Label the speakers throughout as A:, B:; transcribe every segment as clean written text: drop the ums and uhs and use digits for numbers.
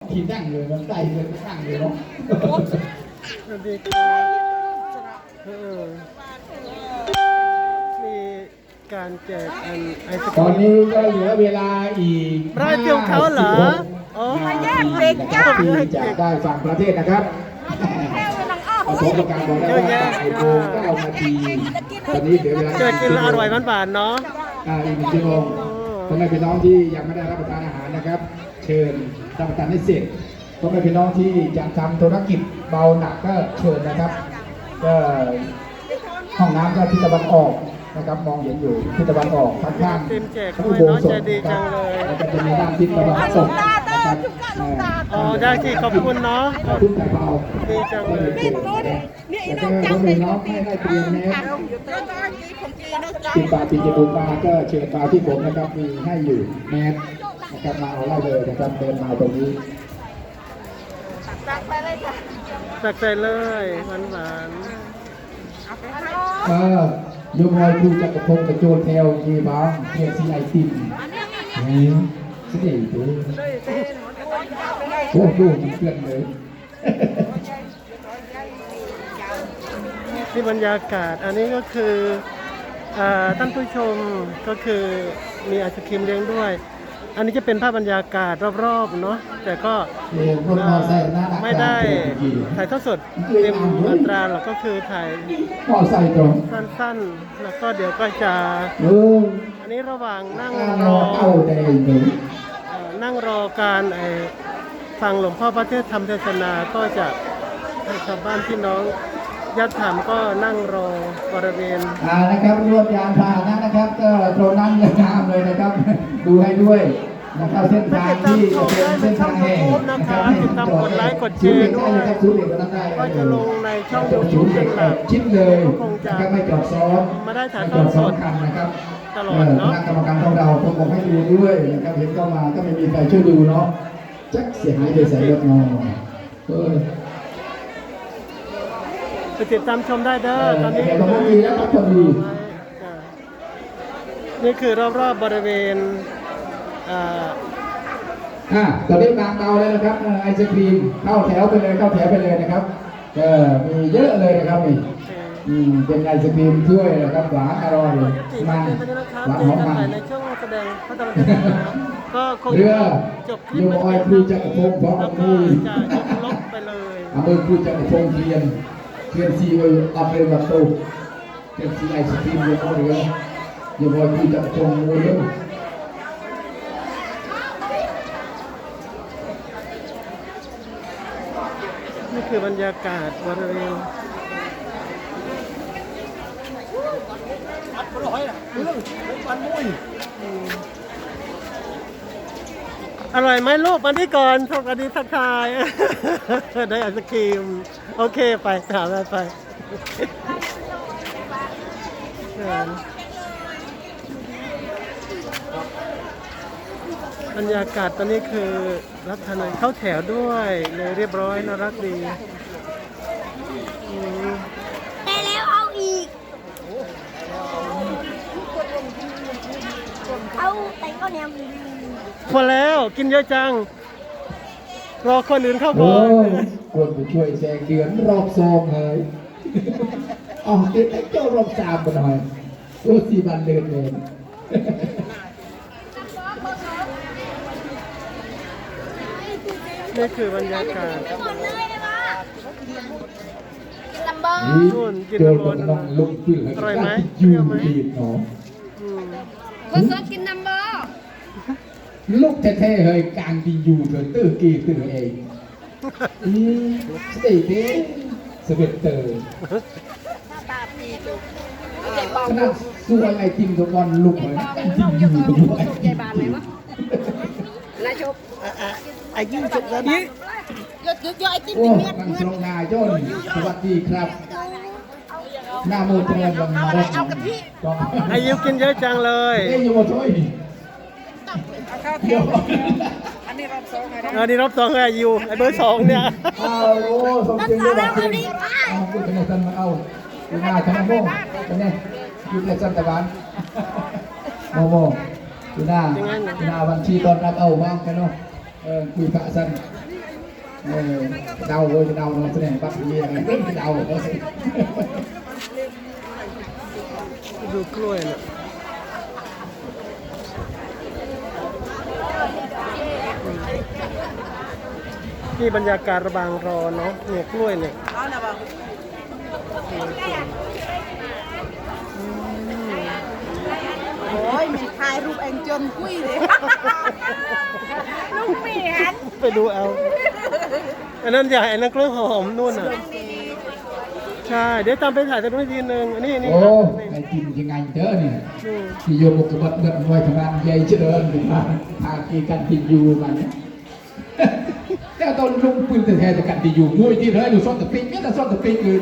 A: ที่นั่งเลยมันใส่เลยนั่งเลยเนาะ
B: สวัสดีครับมีการแจกไอศก
A: ต
B: รี
A: อน
B: ม
A: นี้ก็เหลือเวลาอีก
B: ร้อยเดียวเขาเหรออ๋อ
A: ที่จะได้ฝั่งประเทศนะครับผสมประการบอกได้ว่าบ่ายโมง9 นาทีตอนนี้เหลือเวลา
B: เจอกินแล้วอร่อยหวานๆเนาะ
A: อีก1 ชั่วโมงพ่อแม่พี่น้องที่ยังไม่ได้รับประทานอาหารนะครับ เชิญรับประทานให้เสร็จพ่อแม่พี่น้องที่จะทำธุรกิจเบาหนักก็เชิญนะครับก็ห้องน้ำก็ทิศตะวันออกนะครับมองเห็นอยู่ทิศตะวันออกข้างๆ
B: เต็มแจก
A: พระ
B: ด้
A: อุ
B: วย
A: โบ
B: เนาะ
A: สถ
B: ใจดี
A: ค
B: จั
A: รับ
B: งเลย
A: แล้วก็จะมีด้านทิศตะวันตกนะครับ
B: อ๋อได้ที่ขอบคุณเนาะ
A: ขอบคุณแต่เบา
B: ดีจังเลย
A: แล้วก็พ่อแม่น้องให้ได้เตรียมแมสติดปากติดจมูกมาก็เชิญมาที่ผมนะครับมีให้อยู่แมสนะครับมาเอาได้เลยนะครับเดินมาตรงนี้
B: ตักใจเลยหวาน
A: โยมอยครูจักรพงศ์กระโจนแถวยีบ้างเพียรซีไอติมนี่สิเด็ดเลยโอ้โหมันเพื่อนเลย
B: ๆที่บรรยากาศอันนี้ก็คือท่านผู้ชมก็คือมีไอศครีมเลี้ยงด้วย อันนี้จะเป็นภาพบรรยากาศรอบๆเนาะแต่ก็ไม่ได้ถ่ายทอดสดเต็มอัตราหรอกก็คือถ่าย
A: มอไซค์ตรง
B: สั้นๆแล้วก็เดี๋ยวก็จะ อันนี้ระหว่างนั่งรอ
A: เอาแต่หนึ่ง
B: นั่งรอการฟังหลวงพ่อพระเทศน์ธรรมเทศนาก็จะให้ชาวบ้านพี่น้องญาติธรรมก็นั่งรอบริเวณ
A: นะครับรวมยานพาหนะนะครับก็ตรงนั้นยังงามเลยนะครับ ดูให้ด้วยนะครับเส้นทางที่เป็นเส้นทางแห่งนะครับให้ติดตามกดไลค์กดแชร์ด้วย
B: ก็จะลงในช่อง YouTube เป็นหลัก
A: ชิดเลย
B: ก็คงจะ
A: นะครับไม่จอดซ้อน
B: มาได้ถ่ายทอดสด
A: คันนะครับ
B: ตลอดเนอะ
A: คณะกรรมการของเราผมบอกให้ดูด้วยนะครับเห็นเข้ามาก็ไม่มีใครช่วยดูเนาะจักเสียหายไปใส่รถนอน
B: ไปติดตามชมได้เด้อตอนนี้
A: แต่ผมมีแล้วครับพอดี
B: นี่คือรอบๆบริเวณ
A: ตอนนี้บางเบาเลยนะครับไอศครีมเข้าแถวไปเลยนะครับมีเยอะเลยนะครับนี่เป็นไอศครีมถ้วยนะครับหวานอร่อยมันหวานหอมมัน
B: ในช่วงแสดงพระธรรมเทศนาก็คง
A: เรือ
B: จบคลิ
A: โย
B: ป
A: มออยครูจักรพงศ์พร้อม
B: แล้
A: กั
B: ว
A: บ
B: ก็
A: มือ
B: จะยกลบไปเลย
A: อำเภอครูจักรพงศ์เทียนซีอัปเปอร์บัตโตเทียนซีไอศครีมโยมออยโยมออยครูจักรพงศ์มือเร็ว
B: นี่คือบรรยากาศบริเวณอร่อยไหมลูกมาที่ก่อนสวัสดีทักทาย ได้ไอศครีมโอเคไปถามไปบรรยากาศตอนนี้คือรับทานเข้าแถวด้วยเลยเรียบร้อยน่ารักดี
C: ได้แล้วเอาอีก เอาแต่ก็เนี่ย
B: พอแล้วกินเยอะจัง รอคนอื่นเข้า
A: โอ้
B: ก่อน
A: ควรไปช่วยแซงเดือนรอบซองเลยอ๋อติดไอ้เจ้ารอบสามกันหน่อยโอ้สี่บันเดินเลย
B: นี่คือบรรยากาศ
C: หมดเลยได้ปะกินลัมเบอร์
A: นี่โจรกับน้องลุกขึ้นแล้วยูดีเนาะ
C: เบอร์สองกินลัมเบอร์
A: ลูกแท้ๆเฮ้ยกลางดีอยู่เถอะตื้อกี่ตื้อเองสเตย์เด้สเวตเตอร์
C: ตาปีจุกเจ็บเบา
A: ขนาดสู้ไอติมทุกวันลุกเลยจริงอยู่ตรงนี้
C: ใหญ่บานเลยวะนายชบ
B: อายุจุดแล้วนี่
C: ยดไอติม
A: โอ้
C: เมีย
A: มันทรงนายนสวัสดีครับหน้าโมเตอร์บังมาได้ต้อง
B: อายุกินเยอะจังเลย
A: เอ้ยอยู่มาช่วยดิเดี๋ยว
B: อันนี้รอบสองอายุไอเบอร์สองเนี่ย
A: อ้าวโอ้สมจริงด้วยแบบนี้อ้าวพูดกันในสันมาเอาอยู่หน้าชนะโม่กันเนี่ยอยู่ในสันตะวันโมโมอยู่หน้าบัญชีตอนรับเอาบ้างกันเนาะคุยพระสันเดาเลยจะเดาเราแสดงบัตรเยี่ยมเรื่องเดาเลย
B: ดูกล้วยน่ะนี่บรรยากาศระบางรอเนาะเนี่ยกล้วยเนี่ย
C: โอ้ยมีถ่ายรูปเองจนกุ้ยเลยลูกเหมียน
B: ไปดูเอาอันนั้นใหญ่อันนั้นกล้วยหอมนู่นน่ะใช่เดี๋ยวตามไปถ่ายตรงนี้ทีนึงอันนี้นี่
A: โอ้
B: ครับ
A: ไอ้กินยังไงเจอเนี่ย
B: นี่
A: ที่โยมกบัดเงินไว้ทำงานใหญ่เจริญถึงมาทากีกันที่อยู่มันเนี่ยแต่ตอนลุงปืนแต่แท้แต่กันที่อยู่มวยที่เลยดูซ่อนตะปิงเนี่ยแต่ซ่อนตะปิงอื่น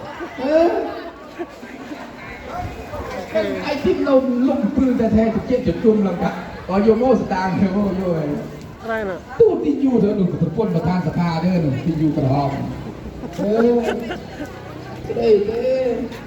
A: ไอ้ที่ลงลุงปืนแต่แท้จะเจ็บจะจุ่มแล้วกันตอนโยโม่สตางค์โยโม่โย่
B: อะไรน่ะ
A: ตู้ที่อยู่เธอหนุ่มกับคนประธานสภาเด้อหนุ่มที่อยู่กระหอบเด้